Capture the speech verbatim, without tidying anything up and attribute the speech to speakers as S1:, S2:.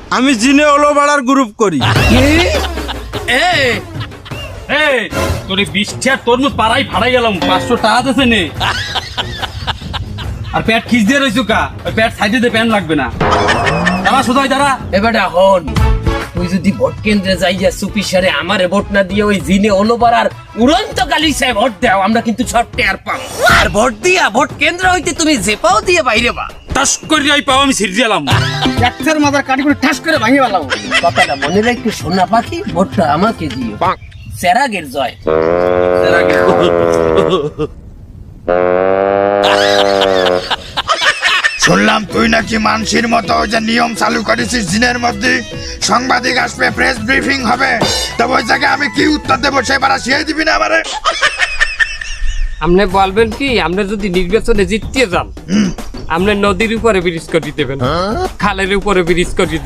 S1: আমি জিনে ওলো বাড়ার গ্রুপ করি।
S2: তোর বিশটা তরমুজ পাড়াই ফাড়াই গেলাম, পাঁচশো টাকা আছে নে। আর প্যাট খিচ দিয়ে রয়েছো কা, ওই প্যাট সাইডে দিয়ে প্যান্ট লাগবে না। দাঁড়া সোজাই দাঁড়া।
S3: এবারে হন, তুই যদি ভোট কেন্দ্রে যাইয়া চুপি সারে আমারে ভোট না দিয়ে ওই জিনে ওলোবার আর উড়ন্ত কালী সাহেব ভোট দাও, আমরা কিন্তু ছট্টে আর পাম। আর ভোট দিয়া ভোট কেন্দ্র হইতে তুমি জেপাও দিয়ে বাইরে বা
S2: টাস করে আই পাও, আমি ছিড়ে দিলাম।
S3: একটার মাথার কাটি করে ঠাস করে ভাঙিয়ে পেলাম। কথাটা মনে রাখতে সোনা পাখি, ভোটটা আমাকে দিও। সেরাগের জয়।
S4: শুনলাম তুই নাকি মানসির মতো যে নিয়ম চালু করেছিস দিনের মধ্যে সাংবাদিক আসবে, প্রেস ব্রিফিং হবে, তো ওই জায়গায় আমি কি উত্তর দেবো সেবার শিয়ে দিবি না আমারে?
S5: আপনি বলবেন কি, আপনি যদি নির্বাচনে জিততে যান, আপনি নদীর উপরে ব্রিজ করে দেবেন, খালের উপরে ব্রিজ করে